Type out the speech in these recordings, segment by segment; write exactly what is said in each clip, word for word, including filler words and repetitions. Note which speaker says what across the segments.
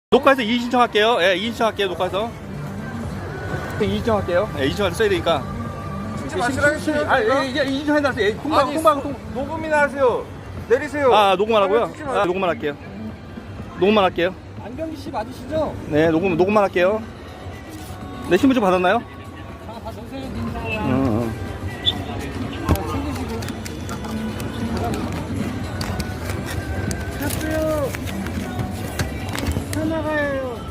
Speaker 1: 녹화해서 이의 신청할게요. 예, 이의 신청할게요. 녹화해서. 이의 신청할게요. 예, 이의 신청해서 써야 되니까.
Speaker 2: 진짜 마시라겠어요?
Speaker 1: 아, 예, 이제 이의 신청해서 예, 공방,
Speaker 2: 아니,
Speaker 1: 공방, 공
Speaker 2: 녹음이나 하세요. 내리세요.
Speaker 1: 아, 녹음만 하고요.
Speaker 2: 찍지 마요.
Speaker 1: 아, 녹음만 할게요. 녹음만 할게요.
Speaker 3: 안경기 씨 맞으시죠?
Speaker 1: 네, 녹음, 녹음만 할게요. 네, 신분증 받았나요?
Speaker 3: 아, 다 선생님
Speaker 1: 응, 응.
Speaker 3: 챙기시고. 갔어요. 차 나가요.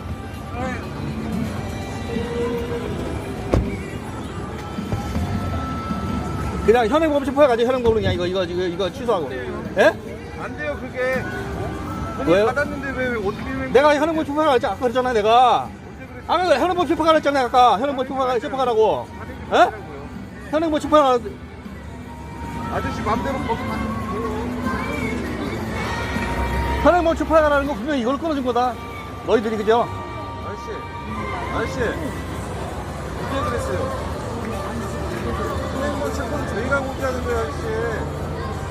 Speaker 1: 그냥 현행범 체포해가지고 현행범으로 그냥 이거, 이거, 이거, 이거 취소하고. 예?
Speaker 2: 안 돼요, 그게. 돈을
Speaker 1: 왜요?
Speaker 2: 받았는데 왜, 왜 어떻게 왜.
Speaker 1: 내가 현행범 체포하라 했지, 아까 그랬잖아, 내가. 아, 현행범 체포하라 했잖아, 아까. 현행범 체포하라, 체포하라고. 예? 현행범 체포하라.
Speaker 2: 아저씨 맘대로 거기 가.
Speaker 1: 현행범 체포하라는 거 분명히 이걸 끊어준 거다. 너희들이, 그죠?
Speaker 2: 아저씨. 아저씨. 언제 그랬어요? 선생님 체포는 저희가 공개하는 거예요, 아저씨.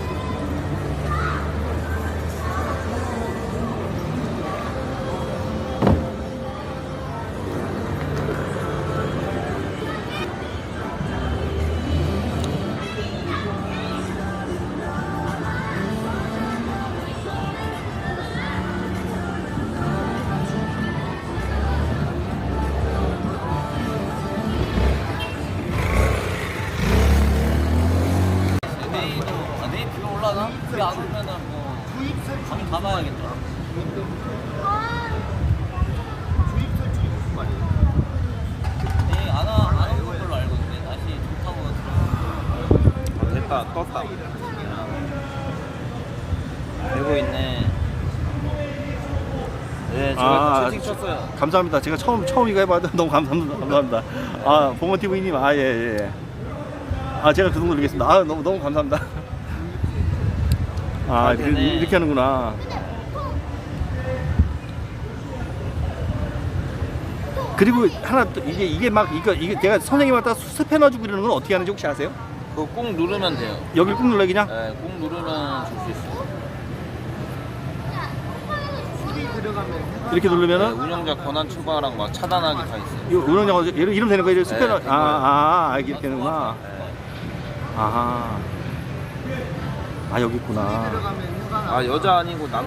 Speaker 4: 내일도 아, 내일 비가 올라나? 비 안 오면은 뭐 밤에 가봐야겠다. 내일 안, 와- 안 오는 걸로 알고 있는데 날씨 좋다고 들었어.
Speaker 2: 됐다, 떴다.
Speaker 4: 되고 있네. 네, 제가
Speaker 1: 아,
Speaker 4: 채팅 쳤어요.
Speaker 1: 감사합니다. 제가 처음, 처음 이거 해봐도 너무 감사합니다. 감사합니다. 아, 봉어티브이님, 아, 예, 예. 아, 제가 그 정도 드리겠습니다. 아, 너무, 너무 감사합니다. 아, 이렇게,
Speaker 4: 되네.
Speaker 1: 이렇게 하는구나. 그리고 하나 또, 이게, 이게 막, 이거, 이게 내가 선생님한테 스패너주고 이러는 건 어떻게 하는지 혹시 아세요?
Speaker 4: 그거 꾹 누르면 돼요.
Speaker 1: 여길 꾹 눌러, 그냥?
Speaker 4: 네, 꾹 누르면 줄 수 있어요.
Speaker 1: 이렇게
Speaker 4: 네,
Speaker 1: 누르면은,
Speaker 4: 운영자 권한 추가랑 막 차단하기 다 있어요.
Speaker 1: 이거 운영자가 이름, 이름 되는 거예요? 스패너.
Speaker 4: 된
Speaker 1: 아,
Speaker 4: 거예요.
Speaker 1: 아, 아, 이렇게 되는구나.
Speaker 4: 네.
Speaker 1: 아하. 아, 여기 있구나.
Speaker 4: 아 여자 아니고 남.